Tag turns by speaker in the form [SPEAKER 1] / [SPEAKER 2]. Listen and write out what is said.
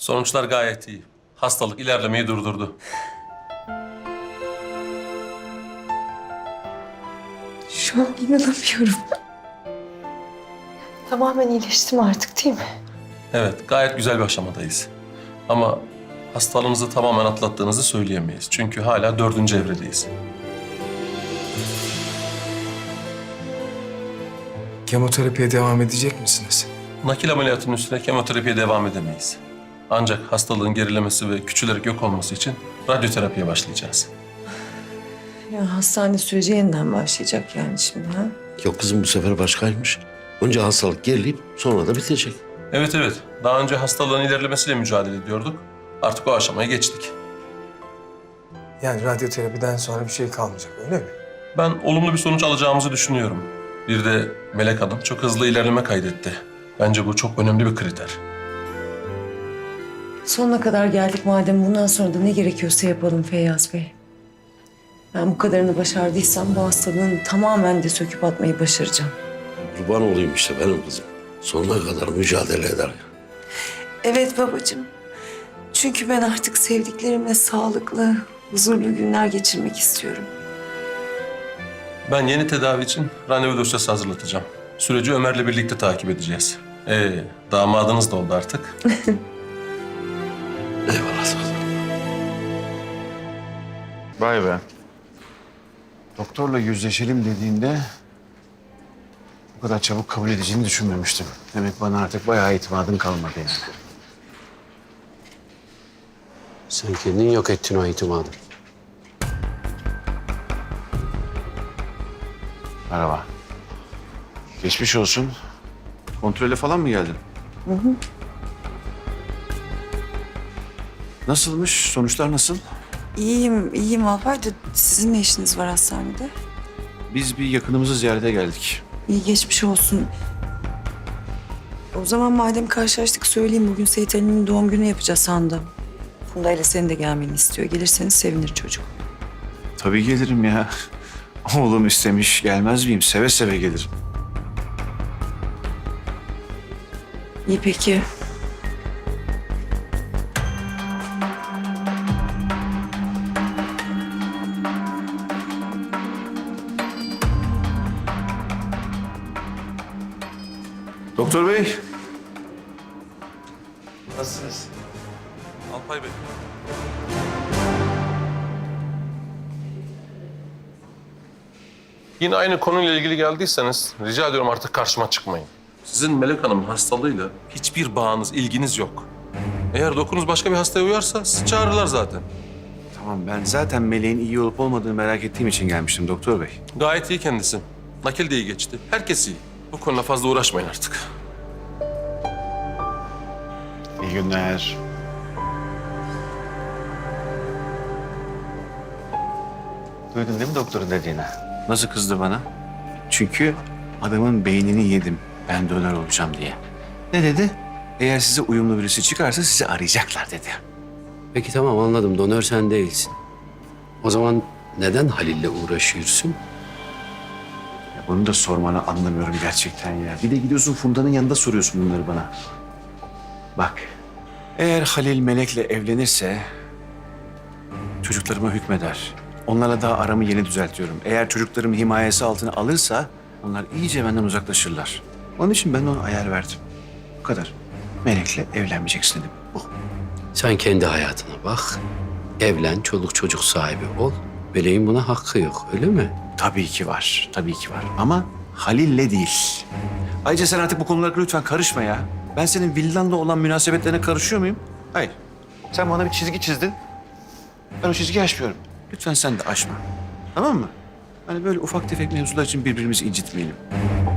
[SPEAKER 1] Sonuçlar gayet iyi. Hastalık ilerlemeyi durdurdu.
[SPEAKER 2] Şu an inanamıyorum. Tamamen iyileştim artık değil mi?
[SPEAKER 1] Evet, gayet güzel bir aşamadayız. Ama hastalığınızı tamamen atlattığınızı söyleyemeyiz. Çünkü hala 4. evredeyiz.
[SPEAKER 3] Kemoterapiye devam edecek misiniz?
[SPEAKER 1] Nakil ameliyatının üstüne kemoterapiye devam edemeyiz. Ancak hastalığın gerilemesi ve küçülerek yok olması için radyoterapiye başlayacağız.
[SPEAKER 2] Ya hastane süreci yeniden başlayacak yani şimdi ha?
[SPEAKER 4] Yok kızım bu sefer başkaymış. Önce hastalık gerileyip sonra da bitecek.
[SPEAKER 1] Evet evet, daha önce hastalığın ilerlemesiyle mücadele ediyorduk. Artık o aşamaya geçtik.
[SPEAKER 3] Yani radyoterapiden sonra bir şey kalmayacak öyle mi?
[SPEAKER 1] Ben olumlu bir sonuç alacağımızı düşünüyorum. Bir de Melek Hanım çok hızlı ilerleme kaydetti. Bence bu çok önemli bir kriter.
[SPEAKER 2] Sonuna kadar geldik madem bundan sonra da ne gerekiyorsa yapalım Feyyaz Bey. Ben bu kadarını başardıysam bu hastalığın tamamen de söküp atmayı başaracağım.
[SPEAKER 4] Kurban olayım işte benim kızım. Sonuna kadar mücadele eder.
[SPEAKER 2] Evet babacığım. Çünkü ben artık sevdiklerimle sağlıklı, huzurlu günler geçirmek istiyorum.
[SPEAKER 1] Ben yeni tedavi için randevu dosyası hazırlatacağım. Süreci Ömer'le birlikte takip edeceğiz. Damadınız da oldu artık.
[SPEAKER 4] Eyvallah sağ ol.
[SPEAKER 5] Vay be. Doktorla yüzleşelim dediğinde bu kadar çabuk kabul edeceğini düşünmemiştim. Demek bana artık bayağı itimadın kalmadı yani.
[SPEAKER 4] Sen kendin yok ettin o itimadı.
[SPEAKER 5] Merhaba. Geçmiş olsun. Kontrole falan mı geldin? Nasılmış? Sonuçlar nasıl?
[SPEAKER 2] İyiyim Alpay da sizin ne işiniz var hastanede?
[SPEAKER 5] Biz bir yakınımızı ziyarete geldik.
[SPEAKER 2] İyi geçmiş olsun. O zaman madem karşılaştık söyleyeyim bugün Seyit Ali'nin doğum günü yapacağız sandım. Funda ile senin de gelmeni istiyor. Gelirseniz sevinir çocuk.
[SPEAKER 5] Tabii gelirim ya. Oğlum istemiş, gelmez miyim? Seve seve gelirim.
[SPEAKER 2] İyi peki.
[SPEAKER 5] Doktor bey.
[SPEAKER 1] Nasılsınız? Alpay Bey. Yine aynı konuyla ilgili geldiyseniz rica ediyorum artık karşıma çıkmayın. Sizin Melek Hanım'ın hastalığıyla hiçbir bağınız, ilginiz yok. Eğer dokunuz başka bir hastaya uyarsa sizi çağırırlar zaten.
[SPEAKER 5] Tamam ben zaten Meleğin iyi olup olmadığını merak ettiğim için gelmiştim doktor bey.
[SPEAKER 1] Gayet iyi kendisi. Nakil de iyi geçti. Herkes iyi. Bu konuda fazla uğraşmayın artık.
[SPEAKER 5] İyi günler. Duydun değil mi doktorun dediğini? Nasıl kızdı bana? Çünkü adamın beynini yedim ben döner olacağım diye. Ne dedi? Eğer size uyumlu birisi çıkarsa sizi arayacaklar dedi.
[SPEAKER 4] Peki tamam anladım. Donör sen değilsin. O zaman neden Halil'le uğraşıyorsun?
[SPEAKER 5] Ya bunu da sormanı anlamıyorum gerçekten ya. Bir de gidiyorsun Funda'nın yanında soruyorsun bunları bana. Bak, eğer Halil Melek'le evlenirse çocuklarıma hükmeder. Onlarla daha aramı yeni düzeltiyorum. Eğer çocuklarım himayesi altına alırsa onlar iyice benden uzaklaşırlar. Onun için ben ona ayar verdim. Bu kadar. Melek'le evlenmeyeceksin dedim. Bu.
[SPEAKER 4] Sen kendi hayatına bak. Evlen, çoluk çocuk sahibi ol. Meleğin buna hakkı yok, öyle mi?
[SPEAKER 5] Tabii ki var, tabii ki var. Ama Halil'le değil. Ayrıca sen artık bu konulara lütfen karışma ya. Ben senin villanla olan münasebetlerine karışıyor muyum? Hayır. Sen bana bir çizgi çizdin. Ben o çizgiyi aşmıyorum. Lütfen sen de aşma. Tamam mı? Hani böyle ufak tefek mevzular için birbirimizi incitmeyelim.